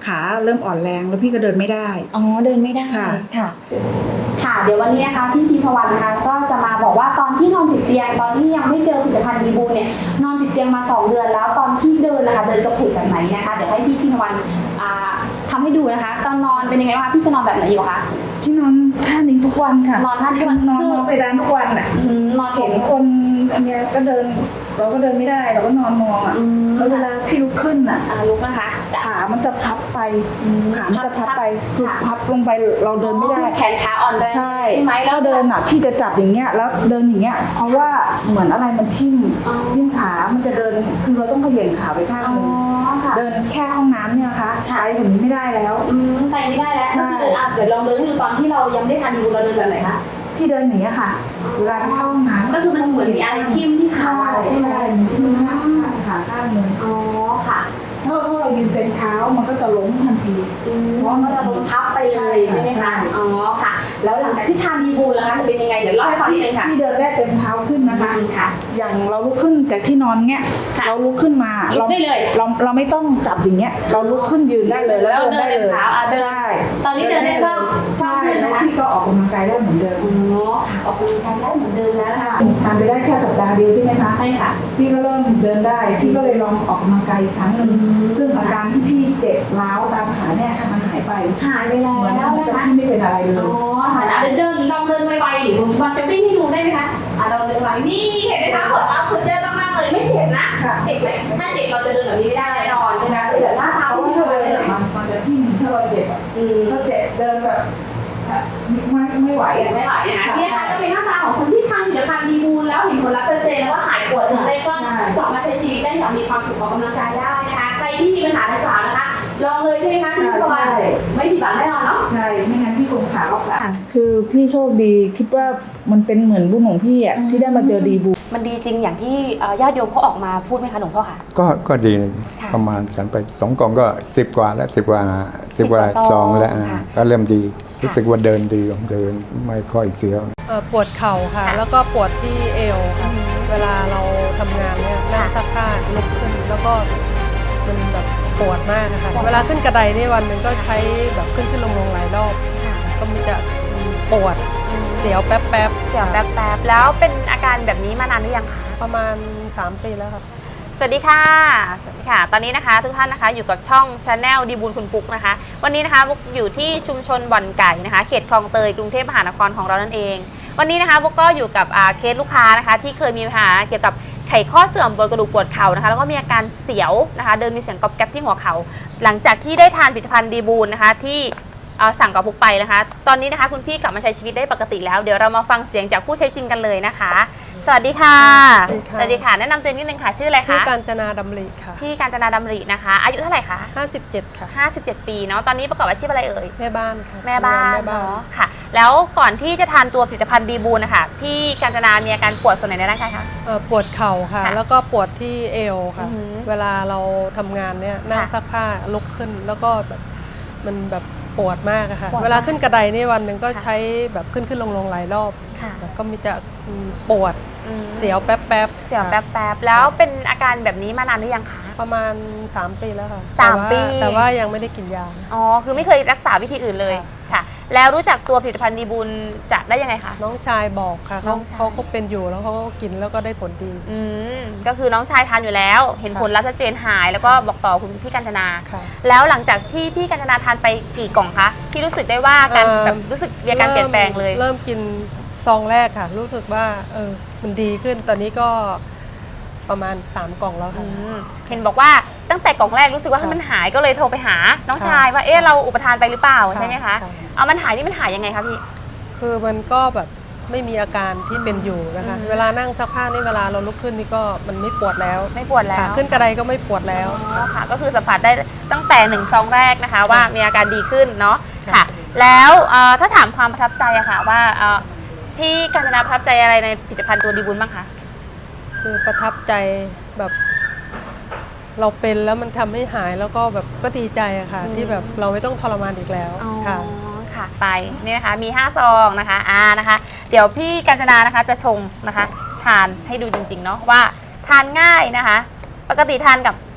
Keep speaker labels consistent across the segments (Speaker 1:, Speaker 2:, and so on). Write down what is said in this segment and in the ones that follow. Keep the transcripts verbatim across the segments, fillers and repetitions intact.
Speaker 1: ขาเริ่มอ่อนแรงแล้วพี่ก็เดินไม่ได้
Speaker 2: อ๋อเดินไม่ได้
Speaker 1: ค่ะ
Speaker 2: ค่ะค่ะเดี๋ยววันนี้นะคะพี่พิมพวรรณนะคะก็จะมาบอกว่าตอนที่นอนติดเตียงตอนที่ยังไม่เจอผลิตภัณฑ์ดีบูเนี่ยนอนติดเตียงมาสองเดือนแล้วตอนที่เดินนะคะเดินกระเพกแบบไหนนะคะเดี๋ยวให้พี่พิมพวรรณทำให้ดูนะคะตอนนอนเป็นยังไงบ้างพี่จะนอนแบบไหนอยู่คะ
Speaker 1: พี่นอนท่านี้ทุกวันค่ะ
Speaker 2: นอนท่านี้ทุกวัน
Speaker 1: นอนนอนไปร้านทุกวันอ่ะ
Speaker 2: นอน
Speaker 1: เห็นคนอันเนี้ยก็เดินเราก็เดินไม่ได้เราก็นอนมองอ่ะแล้วเวลาพี่ลุกขึ้นอ่ะ
Speaker 2: ลุกนะคะ
Speaker 1: ขามันจะพับไปขามันจะพับไปคือพับลงไปเราเดินไม่ได้
Speaker 2: แขนขาอ่อนแรง
Speaker 1: ใช่ไหมแล้วเดินอ่ะพี่จะจับอย่างเงี้ยแล้วเดินอย่างเงี้ยเพราะว่าเหมือนอะไรมันทิ่มทิ่มขามันจะเดินคือเราต้องเขย่งขาไปข้างนึงเดินแค่ห้องน้ำเนี่ยนะคะไปแบบนี้ไม่ได้แล้ว
Speaker 2: ไปไม่ได้แล้วก็คือเดินอ่ะเดี๋ยวลองเดินให้ดูตอนที่เรายังไม่ทานดีบูเราเดินแบบไหนคะ
Speaker 1: พี่เดินอย่างเงี้ยค่ะเวลาไปเข้าห้องน้ำ
Speaker 2: ก็คือมันเหมือนมีอะไรทิ่มที่ขาใช่ไหม
Speaker 1: ทิ่มขาขาข้างนึง
Speaker 2: อ๋อค่ะ
Speaker 1: ถ้าเรายืนเต็มเท้ามันก็จะล้มทันที
Speaker 2: เพราะมันจะล้มพับไปเลยใช่ไหมคะอ๋อค่ะแล้วหลังจากที่ทานดีบูแล้วจะเป็นยังไงเดี๋ยวเล่าให้ฟังนิดนึงค่ะ
Speaker 1: พี่เดินได้เต็มเท้าขึ้นนะคะอย่างเราลุกขึ้นจากที่นอนเงี้ยเราลุกขึ้นมา
Speaker 2: เราได้เลย
Speaker 1: เราเราไม่ต้องจับอย่างเงี้ยเราลุกขึ้นยืนได้เลยแล้วเดินได้เลย
Speaker 2: ใช่ตอนนี้เดินได้บ้าง
Speaker 1: ใช่แล้วพี่ก็ออกกำลังกายได้เหมือนเดิม
Speaker 2: อ๋อออกกำลังกายได้เหมือนเดิมแล้วค่ะ
Speaker 1: ทานไปได้แค่สัปดาห์เดียวใช่ไหมคะ
Speaker 2: ใช่ค่ะ
Speaker 1: พี่ก็เริ่มเดินได้พี่ก็เลยลองออกกำลังกายอีกครั้งหนึ่งซึ่งอาการที่พี่เจ็บร้าวตามขาเนี่ยมันหายไป
Speaker 2: หายไปแล้ว
Speaker 1: นะคะพี่ไม่เป็นอะไรเลย
Speaker 2: อ๋อค่ะเดินเดินลองเดินไวๆหรือมันจะวิ่งให้ดูได้ไหมคะอ่ะเราเดินไวนี่เห็นไหมคะปวดเท้าสุดยอดมากๆเลยไม่เจ็บนะเจ็บไหมถ้าเจ็บเราจะเดินแบบนี้ไม่ได้แน่นอนใช่ไหมเดี๋ยวหน้าเท้า
Speaker 1: ที่เราเดินมันจะที่ถ้าเราเจ็บถ้าเจ็บเดินแบบไม่ไม่ไหวอ่ะ
Speaker 2: ไม่ไหวนะที่นะคะก็เป็นหน้าตาของคนที่ทานผลิตภัณฑ์ดีบูลแล้วเห็นผลลัพธ์ชัดเจนแล้วว่าหายปวดถึงได้ก็กลับมาใช้ชีวิตได้อย่างมีความสุขออกกำลังกายได้นะคะใครที่มีปัญหาดังกล่าวนะคะลองเลยใช่ไหมคะพี่พรไม่ผิดหวังแน่นอนเนาะ
Speaker 1: ใช่ไม่งั้นพี่คงขาออกสายคือพี่โชคดีคิดว่ามันเป็นเหมือนบุญของพี่อ่ะที่ได้มาเจอดีบู
Speaker 2: มันดีจริงอย่างที่ญาติโยมเขาออกมาพูดไหมคะหลวงพ่อค่ะ
Speaker 3: ก็ก็ดีประมาณกันไปสองกล่องก็สิบกว่าแล้วสิบกว่าสิบกว่าซองแล้วก็เริ่มดีรู้สึกว่าเดินดีเดินไม่ค่อยเสียว
Speaker 4: ปวดเข่าค่ะแล้วก็ปวดที่เอวค่ะเวลาเราทำงานเนี่ยนั่งซักผ้าลุกขึ้นแล้วก็มันแบบปวดมากนะคะเวลาขึ้นกระไดนี่วันหนึ่งก็ใช้แบบขึ้นขึ้นลงลงหลายรอบก็มันจะปวดเสียวแป๊บแป๊บ
Speaker 2: เสียวแป๊บแป๊บแล้วเป็นอาการแบบนี้มานานหรือยังคะ
Speaker 4: ประมาณสามปีแล้วค่ะ
Speaker 2: สวัสดีค่ะสวัสดีค่ะตอนนี้นะคะทุกท่านนะคะอยู่กับช่อง Channel ดีบูลคุณปุ๊กนะคะวันนี้นะคะบุ๊กอยู่ที่ชุมชนบ่อนไก่นะคะเขตคลองเตยกรุงเทพมหานครของเรานั่นเองวันนี้นะคะบุ๊กก็อยู่กับเคสลูกค้านะคะที่เคยมีปัญหาเกี่ยวกับไขข้อเสื่อมบนกระดูกปวดเข่านะคะแล้วก็มีอาการเสียวนะคะเดินมีเสียงกรอบแกรบที่หัวเข่าหลังจากที่ได้ทานผลิตภัณฑ์ดีบูลนะคะที่สั่งกับบุ๊กไปนะคะตอนนี้นะคะคุณพี่กลับมาใช้ชีวิตได้ปกติแล้วเดี๋ยวเรามาฟังเสียงจากผู้ใช้จริงกันเลยนะคะสวัสดีค่ะสวัสดีค่ะแนะนำตัวนิดนึงค่ะชื่ออะไรคะ
Speaker 4: ชื่อกาญจนาดำริค่ะ
Speaker 2: พี่กาญจนาดำรินะคะอายุเท่าไหร่คะ
Speaker 4: ห้าสิบเจ็ดค่ะ
Speaker 2: ห้าสิบเจ็ดปีเนาะตอนนี้ประกอบอาชีพอะไรเอ่ย
Speaker 4: แม่บ้านค่ะ
Speaker 2: แม่บ้านเนาะค่ะแล้วก่อนที่จะทานตัวผลิตภัณฑ์ดีบูลนะคะพี่กาญจนามีอาการปวดส่วนไหนในร่างกายคะ
Speaker 4: ปวดเข่าค่ะแล้วก็ปวดที่เอวค่ะเวลาเราทำงานเนี่ยนั่งซักผ้าลุกขึ้นแล้วก็แบบมันแบบปวดมากค่ะเวลาขึ้นกระไดนี่วันหนึ่งก็ใช้แบบขึ้นขึ้นลงลงหลายรอบก็มีจะปวดเสียวแป๊บแป๊บ
Speaker 2: เสียวแป๊บแป๊บแล้วเป็นอาการแบบนี้มานานหรือยังคะ
Speaker 4: ประมาณสามปีแล้วค่ะ
Speaker 2: สามปี
Speaker 4: แต่ว่ายังไม่ได้กินยา
Speaker 2: อ๋อคือไม่เคยรักษาวิธีอื่นเลยค่ะแล้วรู้จักตัวผลิตภัณฑ์ดีบูลจะได้ยังไงคะ
Speaker 4: น้องชายบอกค่ะเขาเขาก็เป็นอยู่แล้วเขาก็กินแล้วก็ได้ผลดี
Speaker 2: อืมก็คือน้องชายทานอยู่แล้วเห็นผลลัพธ์ชัดเจนหายแล้วก็บอกต่อคุณพี่กาญจนาแล้วหลังจากที่พี่กาญจนาทานไปกี่กล่องคะที่รู้สึกได้ว่าการแบบรู้สึกมีการเปลี่ยนแปลงเลย
Speaker 4: เริ่มกินซองแรกค่ะรู้สึกว่าเออมันดีขึ้นตอนนี้ก็ประมาณสามกล่องแล้วค่ะ
Speaker 2: เห็นบอกว่าตั้งแต่กล่องแรกรู้สึกว่ามันหายก็เลยโทรไปหาน้องชายว่าเอ๊ะเราอุปทานไปหรือเปล่าใช่ไหมคะเอามันหายนี่มันหายยังไงคะพี่
Speaker 4: คือมันก็แบบไม่มีอาการที่เป็นอยู่นะคะเวลานั่งซักผ้านี่เวลาเราลุกขึ้นนี่ก็มันไม่ปวดแล้ว
Speaker 2: ไม่ปวดแล้ว
Speaker 4: ขึ้นกระไดก็ไม่ปวดแล้ว
Speaker 2: ค่ะก็คือสัมผัสได้ตั้งแต่หนึ่งซองแรกนะคะว่ามีอาการดีขึ้นเนาะค่ะแล้วถ้าถามความประทับใจอะค่ะว่าพี่กาญจนาประทับใจอะไรในผลิตภัณฑ์ตัวดีบูลบ้างคะ
Speaker 4: คือประทับใจแบบเราเป็นแล้วมันทำให้หายแล้วก็แบบก็ดีใจอะค่ะที่แบบเราไม่ต้องทรมานอีกแล้วค่ะ
Speaker 2: ค่ะไปนี่นะคะมีห้าซองนะคะอ่านะคะเดี๋ยวพี่กาญจนานะคะจะชงนะคะทานให้ดูจริงๆเนาะว่าทานง่ายนะคะปกติทานกับ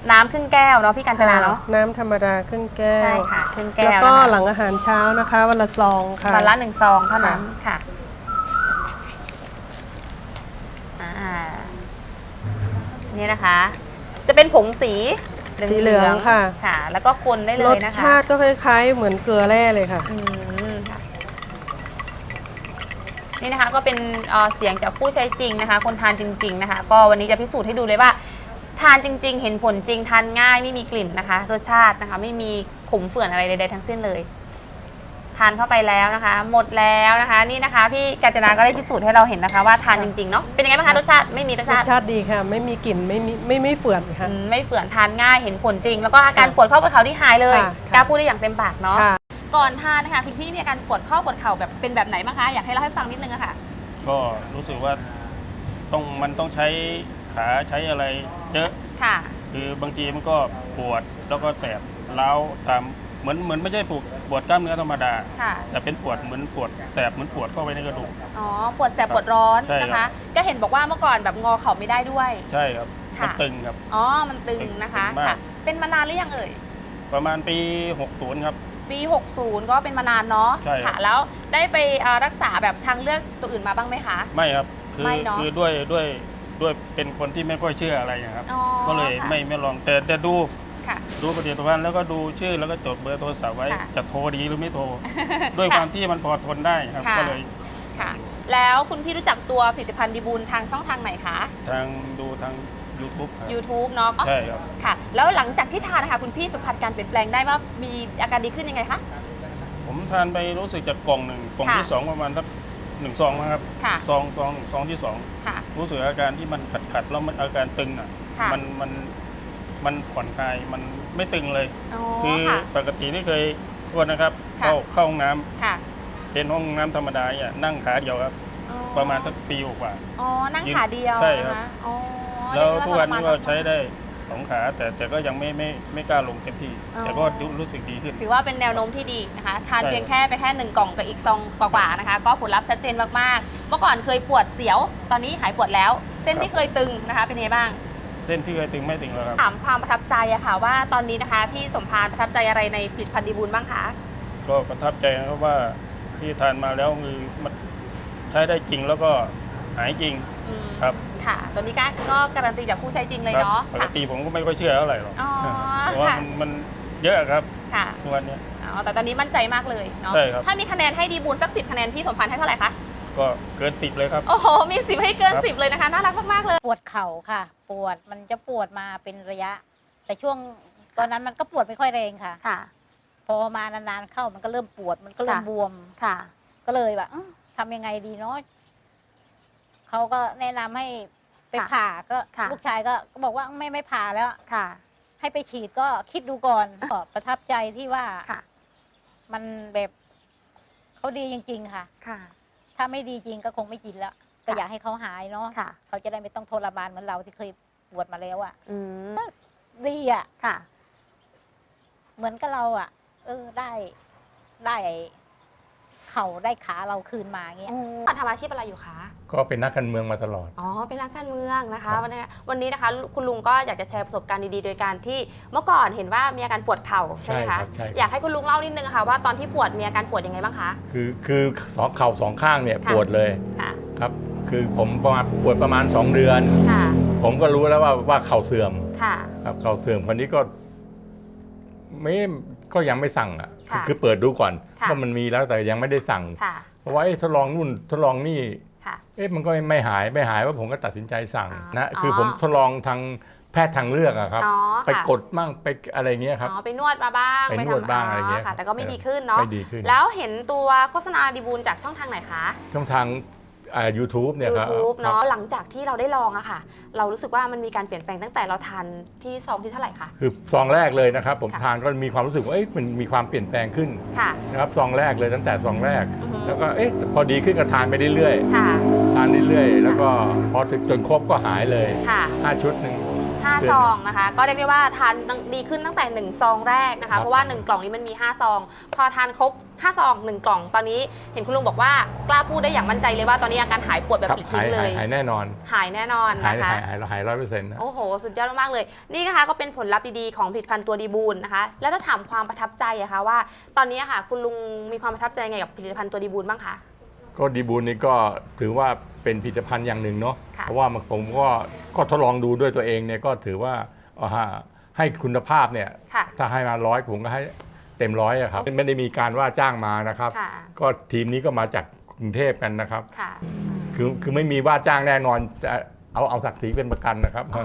Speaker 2: น้ำครึ่งแก้วเนาะพี่กัญจนาเนาะ
Speaker 4: น้ำธรรมดาครึ่งแก้ว
Speaker 2: ใช่ค่ะครึ่งแก้ว
Speaker 4: แล้วก็
Speaker 2: นะคะ
Speaker 4: หลังอาหารเช้านะคะวันละซองค่ะ
Speaker 2: วันละหนึ่งซองเท่านั้นค่ะอ่านี่นะคะ จะเป็นผงสี
Speaker 4: สีเหลืองค่ะ
Speaker 2: ค่ะ แล้วก็คนได้เล
Speaker 4: ร
Speaker 2: ย
Speaker 4: ส
Speaker 2: นะคะ
Speaker 4: ชาติก็คล้ายๆ เหมือนเกลือแร่เลยค่ะ
Speaker 2: อืมค่ะนี่นะคะก็เป็นเอ่อเสียงจากผู้ใช้จริงนะคะ คนทานจริง ๆนะคะ ก็วันนี้จะพิสูจน์ให้ดูเลยว่า ทานจริง ๆ เห็นผลจริงทานง่ายไม่มีกลิ่นนะคะ รสชาตินะคะ ไม่มีขมเฝื่อนอะไรใดๆทั้งสิ้นเลย ทานเข้าไปแล้วนะคะ หมดแล้วนะคะ นี่นะคะพี่กัญจนาก็ได้พิสูจน์ให้เราเห็นนะคะ ว่าทานจริงๆเนาะเป็นยังไงบ้างคะรสชาติไม่มีรส
Speaker 4: ร
Speaker 2: ชา
Speaker 4: ส
Speaker 2: ติ
Speaker 4: ชาติดีค่ะ ไม่มีกลิ่นไม่มีไม่ไม่เฝื่อนค่ะ
Speaker 2: อืมไม่เฝื่อนทานง่ายเห็นผลจริง แล้วก็อาการปวดข้อปวดเข่าที่หายเลย
Speaker 4: ค่ะ
Speaker 2: กล้าพูดได้อย่างเต็มปากเนาะ
Speaker 4: ค่ะ
Speaker 2: ก่อนทานนะคะคุณพี่มีอาการปวดข้อปวดเข่าแบบเป็นแบบไหนบ้างคะอยากให้เล่าให้ฟังนิดนึงอะค่ะ
Speaker 5: ก็รู้สึกว่าต้องมันต้องใช้ขาใช้อะไรเยอะ
Speaker 2: ค่ะ
Speaker 5: คือบางทีมันก็ปวดแล้วก็แสบเล้าวตามเหมือนเหมือนไม่ใช่ปวดปวดกล้ามเนื้อธรรมดา
Speaker 2: ค่ะ
Speaker 5: แต่เป็นปวดเหมือนปวดแสบเหมือนปวดเข้าไปในกระดูก
Speaker 2: อ๋อปวดแสบปวดร้อน
Speaker 5: ใช่ครับ
Speaker 2: นะคะ ก็เห็นบอกว่าเมื่อก่อนแบบงอเข่าไม่ได้ด้วย
Speaker 5: ใช่ครับ
Speaker 2: ค่ะ
Speaker 5: มันตึงครับ
Speaker 2: อ๋อมันตึงนะคะ
Speaker 5: ตึงมาก
Speaker 2: ค่ะ เป็นมานานหรือยังเอ่ย
Speaker 5: ประมาณปีหกสิบครับ
Speaker 2: ปี หกสิบ ก็เป็นมานานเนาะ
Speaker 5: ใช่ครับ
Speaker 2: ค่ะ แล้วได้ไปเอ่อรักษาแบบทางเลือกตัวอื่นมาบ้างไหมคะ
Speaker 5: ไม่ครับคือ
Speaker 2: ไม่เนอะ
Speaker 5: คือด้วยด้วยด้วยเป็นคนที่ไม่ค่อยเชื่ออะไรนะครับ
Speaker 2: อ๋อ
Speaker 5: ก็เลย
Speaker 2: ค่ะ
Speaker 5: ไม่ไม่ลองแต่แต่ดู
Speaker 2: ค่ะ
Speaker 5: ดูปฏิทินแล้วก็ดูชื่อแล้วก็จดเบอร์โทรศัพท์ไว้
Speaker 2: ค่ะ
Speaker 5: จะโทรดีหรือไม่โทร ด้วยความที่มันพอทนได้ครับ
Speaker 2: ค่ะ
Speaker 5: ก็เลย
Speaker 2: ค่ะ แล้วคุณพี่รู้จักตัวผลิตภัณฑ์ดีบูลทางช่องทางไหนคะ
Speaker 5: ทางดูทาง YouTube ครับ
Speaker 2: YouTube เนาะ
Speaker 5: ใช่ครับ
Speaker 2: ค่ะ แล้วหลังจากที่ทานนะคะคุณพี่สัมผัสการเปลี่ยนแปลงได้ว่ามีอาการดีขึ้นยังไงคะ
Speaker 5: ผมทานไปรู้สึกจากกล่องหนึ่งกล่อง
Speaker 2: ค่ะ
Speaker 5: ที่สองประมาณสักหนึ่งซองนะครับ
Speaker 2: ค่ะ
Speaker 5: ซองซองซองที่สอง
Speaker 2: ค่ะ
Speaker 5: รู้สึกอาการที่มันขัดขัดๆแล้วมันอาการตึงอ่ะ
Speaker 2: ค่ะ
Speaker 5: มันมันมันผ่อนคลายมันไม่ตึงเลย
Speaker 2: อ๋อ
Speaker 5: คือ
Speaker 2: ค่ะ
Speaker 5: ปกติที่เคยโทษนะครับ
Speaker 2: ค่ะ
Speaker 5: เข้าเข้าห้องน้ำ
Speaker 2: ค่ะ
Speaker 5: เป็นห้องน้ำธรรมดาเนี่ยนั่งขาเดียวครับ
Speaker 2: อ๋อ
Speaker 5: ประมาณสักปีกว่า
Speaker 2: อ๋อ นั่งขาเดียว
Speaker 5: ใช่ครับ
Speaker 2: นะคะอ๋อ
Speaker 5: แล้ว
Speaker 2: เรีย
Speaker 5: ทุก
Speaker 2: ได้
Speaker 5: วันนี้ก็
Speaker 2: ทรม
Speaker 5: ใช้ได้สองขาแต่แต่ก็ยังไม่ไม่ไม่กล้าลงเต็มที่
Speaker 2: อ๋อ
Speaker 5: แต่ก็รู้สึกดีขึ้น
Speaker 2: ถือว่าเป็นแนวโน้มที่ดีนะคะ ทาน
Speaker 5: ใช่
Speaker 2: เพียงแค่ไปแค่หนึ่งกล่องกับอีกซองกว่าๆนะคะ ก็ผลลัพธ์ชัดเจนมากๆ เมื่อก่อนเคยปวดเสียว ตอนนี้หายปวดแล้ว เส้นที่เคยตึงนะคะ เป็นยังไงบ้าง
Speaker 5: เส้นที่เคยตึงไม่ตึงแล้วครับ
Speaker 2: ถามความประทับใจอะค่ะว่าตอนนี้นะคะ พี่สมพานประทับใจอะไรในผลิตภัณฑ์ดีบูลบ้างคะ
Speaker 5: ก็ประทับใจนะครับว่าที่ทานมาแล้วคือมันใช้ได้จริงแล้วก็หายจริง
Speaker 2: อืม
Speaker 5: ครับ
Speaker 2: ค่ะ ตัวนี้ก็ก็การันตีจากผู้ใช้จริงเลย
Speaker 5: ครับ
Speaker 2: เนาะ
Speaker 5: ปก
Speaker 2: ค่ะ
Speaker 5: ติผมก็ไม่ค่อยเชื่อเท่าไหร่หรอก
Speaker 2: อ๋อ
Speaker 5: เพราะว่า
Speaker 2: ค่ะ
Speaker 5: มันมันเยอะครับ
Speaker 2: ค่ะ
Speaker 5: ทุกวันเนี้ย
Speaker 2: อ๋อแต่ตอนนี้มั่นใจมากเลยเนาะ
Speaker 5: ใช่ครับ
Speaker 2: ถ้ามีคะแนนให้ดีบูลสักสิบคะแนนพี่สมพันธ์ให้เท่าไหร่คะ
Speaker 5: ก็เกินติดเลยครับ
Speaker 2: โอ้โห มีสิบให้เกิน
Speaker 5: ครับ
Speaker 2: สิบเลยนะคะ น่ารักมาก ๆ เลย
Speaker 6: ปวดเข่าค่ะ ปวดมันจะปวดมาเป็นระยะ แต่ช่วงตอนนั้นมันก็ปวดไม่ค่อยแรงค่ะ
Speaker 2: ค่ะ
Speaker 6: พอมานานๆเข้ามันก็เริ่มปวดมันก็เริ่ม
Speaker 2: ค่ะ
Speaker 6: บวม
Speaker 2: ค่ะ
Speaker 6: ก็เลยแบบอื้อทำยังไงดีเนาะเขาก็แนะนำให้ไป
Speaker 2: ค่ะ
Speaker 6: ผ่าก็
Speaker 2: ค่ะ
Speaker 6: ลูกชายก็ก็บอกว่าไม่ไม่ผ่าแล้ว
Speaker 2: ค่ะ
Speaker 6: ให้ไปฉีดก็คิดดูก่อนก็ประทับใจที่ว่า
Speaker 2: ค่ะ
Speaker 6: มันแบบเขาดีจริง ๆ ค่ะ
Speaker 2: ค่ะ
Speaker 6: ถ้าไม่ดีจริงก็คงไม่กินแล้วก็อยากให้เขาหายเนาะ
Speaker 2: ค่ะ
Speaker 6: เขาจะได้ไม่ต้องทรมานเหมือนเราที่เคยปวดมาแล้วอะ่ะ
Speaker 2: อืม
Speaker 6: ดีอะ่ะ
Speaker 2: ค่ะ
Speaker 6: เหมือนกับเราอะ่ะ เออได้ได้เข่าได้ขาเราคืนมาเงี้ย
Speaker 2: ทำอาชีพอะไรอยู่คะ
Speaker 3: ก็เป็นนักการเมืองมาตลอด
Speaker 2: อ๋อ เป็นนักการเมืองนะ
Speaker 3: ครั
Speaker 2: คะ
Speaker 3: บ
Speaker 2: วันนี้วันนี้นะคะ คุณลุงก็อยากจะแชร์ประสบการณ์ดีๆ โดยการที่เมื่อก่อนเห็นว่ามีอาการปวดเข่าใช่ไหม
Speaker 3: ครั
Speaker 2: คะ
Speaker 3: บใช่
Speaker 2: อยากให้คุณลุงเล่านิดนึงค่ะว่าตอนที่ปวดมีอาการปวดยังไงบ้างคะ
Speaker 3: คือคือสองเข่าสองข้างเนี่ย
Speaker 2: ค่ะ
Speaker 3: ปวดเลย
Speaker 2: ค่ะ
Speaker 3: ครับ คือผมประมาณปวดประมาณสองเดือน
Speaker 2: ค่ะ
Speaker 3: ผมก็รู้แล้วว่าว่าเข่าเสื่อม
Speaker 2: ค่ะ
Speaker 3: ครับเข่าเสื่อมคนนี้ก็ไม่ก็ยังไม่สั่งอ่ะ
Speaker 2: ค่ะ
Speaker 3: คือเปิดดูก่อน
Speaker 2: ค่ะ
Speaker 3: ว่ามันมีแล้วแต่ยังไม่ได้สั่ง
Speaker 2: ค่ะ
Speaker 3: เพราะว่าเอ๊ะทดลองนู่นทดลองนี่
Speaker 2: ค่ะ
Speaker 3: เอ๊ะมันก็ไม่หายไม่หายว่าผมก็ตัดสินใจสั่ง
Speaker 2: อ๋อ
Speaker 3: นะคืออ
Speaker 2: อ
Speaker 3: ผมทดลองทางแพทย์ทางเลือกอะครับ
Speaker 2: อ๋อ
Speaker 3: ไป
Speaker 2: ค่ะ
Speaker 3: กดมั่งไปอะไรเงี้ยครับ
Speaker 2: อ๋อ ไปนวดมาบ้าง
Speaker 3: ไปนวด
Speaker 2: ทำ
Speaker 3: บ้างอะไรเงี้ย
Speaker 2: ค่ะ แต่ก็ไม่ดีขึ้นเนาะ
Speaker 3: ไม่ดีขึ้น
Speaker 2: แล้วเห็นตัวโฆษณาดีบูลจากช่องทางไหนคะ
Speaker 3: ช่องทางอ่า YouTube เนี่ยครับ
Speaker 2: YouTube
Speaker 3: ครั
Speaker 2: เนาะ
Speaker 3: บ
Speaker 2: หลังจากที่เราได้ลองอะค่ะ เรารู้สึกว่ามันมีการเปลี่ยนแปลงตั้งแต่เราทานที่ซองที่เท่าไหร่คะ
Speaker 3: คือซองแรกเลยนะครับ ผม
Speaker 2: ค่ะ
Speaker 3: ทานก็มีความรู้สึกว่าเอ๊ะมันมีความเปลี่ยนแปลงขึ้น
Speaker 2: ค่ะ
Speaker 3: นะครับซองแรกเลยตั้งแต่ซองแรก
Speaker 2: อือฮึ
Speaker 3: แล้วก็เอ๊ะพอดีขึ้นก็ทานไปเรื่อย
Speaker 2: ค่ะ
Speaker 3: ๆทานเรื่อยๆแล้วก็พอถึงจนครบก็หายเลย
Speaker 2: ค่ะ
Speaker 3: ห้าชุดหนึ่ง
Speaker 2: หห้า
Speaker 7: เดือน
Speaker 2: ซ
Speaker 7: หนึ่ง
Speaker 2: องนะคะ ก็เรียกได้ว่าทานดีขึ้นตั้งแต่หนึ่งซองแรกนะ
Speaker 7: ครั
Speaker 2: คะ
Speaker 7: บ
Speaker 2: เพราะว่าหนึ่งกล่องนี้มันมีห้าซอง พอทานครบห้าซองหนึ่งกล่องตอนนี้เห็นคุณลุงบอกว่ากล้าพูดได้อย่างมั่นใจเลยว่าตอนนี้อาการหายปวดแบบ
Speaker 7: ครับ
Speaker 2: ปลิด
Speaker 7: หา
Speaker 2: ทิ้
Speaker 7: ย
Speaker 2: งเล
Speaker 7: หาย
Speaker 2: ย
Speaker 7: หายแน่นอน
Speaker 2: หายแน่นอน
Speaker 7: หาย
Speaker 2: นะคะ
Speaker 7: หายหายหายร้อยเปอร์เซ็นต์นะ
Speaker 2: โอ้โห สุดยอดมากๆเลย นี่นะคะก็เป็นผลลัพธ์ดีๆของผลิตภัณฑ์ตัวดีบูลนะคะ แล้วถ้าถามความประทับใจอะคะว่า ตอนนี้อะค่ะคุณลุงมีความประทับใจไงกับผลิตภัณฑ์ตัวดีบูลบ้างคะ
Speaker 7: ก็ดีบูลนี่ก็ถือว่าเป็นผลิตภัณฑ์อย่างหนึ่งเนาะ
Speaker 2: ค่ะ
Speaker 7: เพราะว่าผมก็ก็ทดลองดูด้วยตัวเองเนี่ยก็ถือว่าเอาฮะให้คุณภาพเนี่ย
Speaker 2: ค่ะ
Speaker 7: ถ้าให้มาร้อยผมก็ให้เต็มร้อยอะครับไม่ได้มีการว่าจ้างมานะครับ
Speaker 2: ค่ะ
Speaker 7: ก็ทีมนี้ก็มาจากกรุงเทพกันนะครับ
Speaker 2: ค่ะ
Speaker 7: คือคือไม่มีว่าจ้างแน่นอนจะเอาเอาศักดิ์ศรีเป็นประกันนะครับ